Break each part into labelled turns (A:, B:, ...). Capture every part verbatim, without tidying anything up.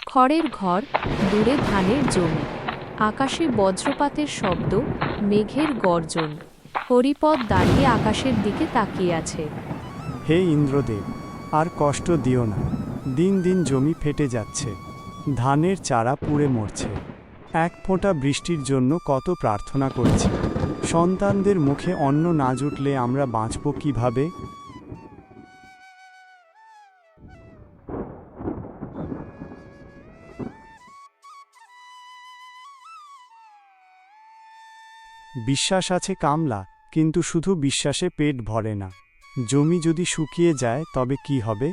A: খড়ের ঘর, দূরে ধানের জমি, আকাশে বজ্রপাতের শব্দ, মেঘের গর্জন। হরিপদ দাঁড়িয়ে আকাশের দিকে তাকিয়ে আছে।
B: হে ইন্দ্রদেব, আর কষ্ট দিও না। দিন দিন জমি ফেটে যাচ্ছে, ধানের চারা পুড়ে মরছে। এক ফোঁটা বৃষ্টির জন্য কত প্রার্থনা করেছি। সন্তানদের মুখে অন্ন না জুটলে আমরা বাঁচব কিভাবে? বিশ্বাস আছে কামলা, কিন্তু শুধু বিশ্বাসে পেট ভরে না। জমি যদি শুকিয়ে যায় তবে কি হবে?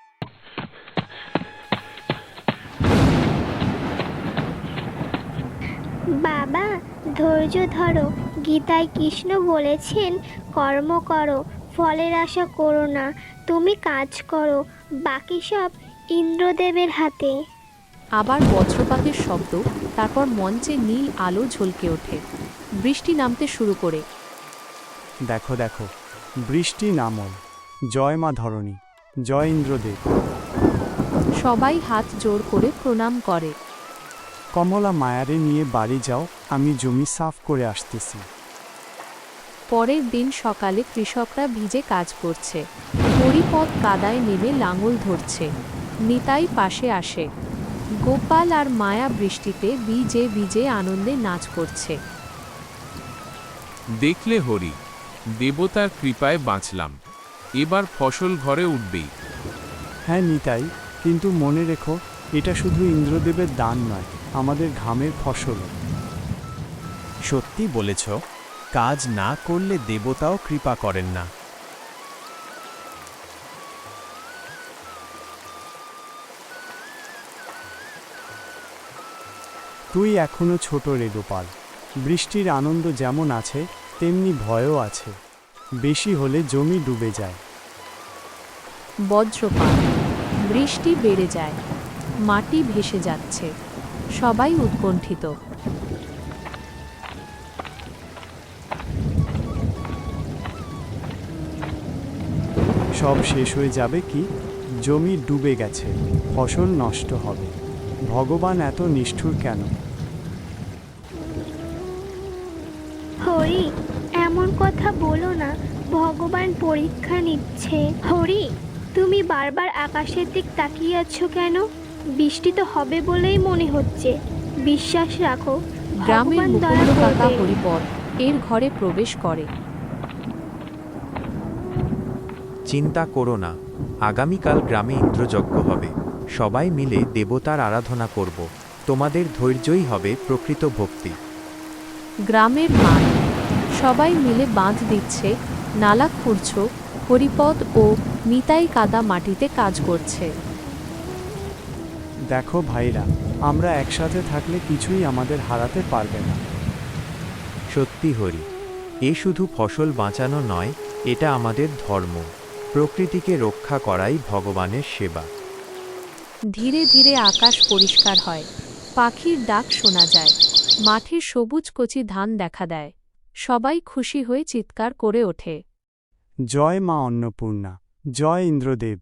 C: বাবা, ধৈর্য ধরো। গীতায় কৃষ্ণ বলেছেন, কর্ম করো, ফলের আশা করো না। তুমি কাজ করো, বাকি সব ইন্দ্রদেবের হাতে।
A: আবার বজ্রপাতের শব্দ, তারপর মঞ্চে নীল আলো ঝলকে ওঠে। বৃষ্টি নামতে শুরু করে।
B: দেখো দেখো, বৃষ্টি নামল। জয় মা ধরণী, জয় ইন্দ্রদেব।
A: সবাই হাত জোর করে প্রণাম করে।
B: কমলা মায়ারে নিয়ে বাড়ি যাও, আমি জমি সাফ করে আসতেছি।
A: পরের দিন সকালে কৃষকরা ভিজে কাজ করছে। হরিপদ কাদায় নেমে লাঙল ধরছে। নিতাই পাশে আসে। গোপাল আর মায়া বৃষ্টিতে ভিজে ভিজে আনন্দে নাচ করছে।
D: দেখলে হরি, দেবতার কৃপায় বাঁচলাম। এবার ফসল ঘরে উঠবেই।
B: হ্যাঁ নিতাই, কিন্তু মনে রেখো, এটা শুধু ইন্দ্রদেবের দান নয়, আমাদের ঘামের ফসল।
E: সত্যি বলেছ, কাজ না করলে দেবতাও কৃপা করেন না।
B: তুই এখনো ছোট রে গোপাল। বৃষ্টির আনন্দ যেমন আছে, তেমনি ভয়ও আছে। বেশি হলে জমি ডুবে যায়।
A: বজ্রপাত, বৃষ্টি বেড়ে যায়, মাটি ভেসে যাচ্ছে। সবাই উৎকণ্ঠিত।
B: সব শেষ হয়ে যাবে কি? জমি ডুবে গেছে, ফসল নষ্ট হবে। ভগবান এত নিষ্ঠুর কেন?
C: হরি, এমন কথা বলো না। ভগবান পরীক্ষা নিচ্ছে। হরি, তুমি বারবার আকাশের দিক তাকিয়ে আছো কেন? বৃষ্টি তো হবে বলেই মনে হচ্ছে। বিশ্বাস রাখো,
A: গ্রামের
C: ভগবান দয়া
A: মুকুন্দ কাকা
C: করবে।
A: হরিপদ এর ঘরে প্রবেশ করে।
E: চিন্তা করো না, আগামীকাল গ্রামে ইন্দ্রযজ্ঞ হবে। সবাই মিলে দেবতার আরাধনা করব। তোমাদের ধৈর্যই হবে প্রকৃত ভক্তি।
A: গ্রামের মাঠ, সবাই মিলে বাঁধ দিচ্ছে, নালা খুঁড়ছ। হরিপদ ও নিতাই কাদা মাটিতে কাজ করছে।
B: দেখো ভাইরা, আমরা একসাথে থাকলে কিছুই আমাদের হারাতে পারবে না।
E: সত্যি হরি, এ শুধু ফসল বাঁচানো নয়, এটা আমাদের ধর্ম। প্রকৃতিকে রক্ষা করাই ভগবানের সেবা।
A: ধীরে ধীরে আকাশ পরিষ্কার হয়। পাখির ডাক শোনা যায়। মাঠে সবুজ কচি ধান দেখা দেয়। সবাই খুশি হয়ে চিৎকার করে ওঠে।
B: জয় মা অন্নপূর্ণা, জয় ইন্দ্রদেব।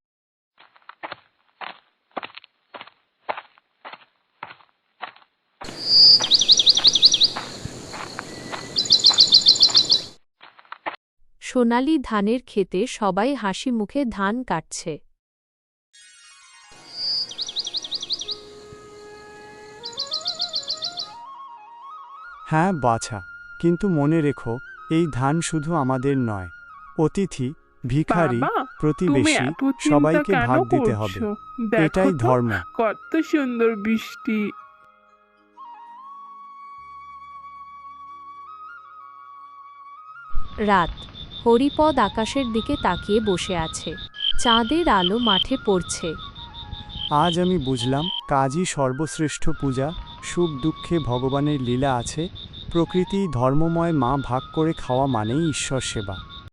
A: সোনালি ধানের ক্ষেতে সবাই হাসি মুখে ধান কাটছে।
B: হ্যাঁ বাছা, কিন্তু মনে রেখো, এই ধান শুধু আমাদের নয়। অতিথি, ভিখারি,
F: বাবা, তুমি
B: প্রতিবেশী
F: এত চিন্তা
B: সবাইকে
F: কেন
B: ভাগ দিতে হবে।
F: করছো? দেখো
B: এটাই
F: তো,
B: ধর্ম।
F: কত সুন্দর বৃষ্টি।
A: রাত, হরিপদ আকাশের দিকে তাকিয়ে বসে আছে। চাঁদের আলো মাঠে পড়ছে।
B: আজ আমি বুঝলাম, কাজই সর্বশ্রেষ্ঠ পূজা। সুখ দুঃখে ভগবানের লীলা আছে। প্রকৃতি ধর্মময় মা ভাগ করে খাওয়া মানেই ঈশ্বর সেবা।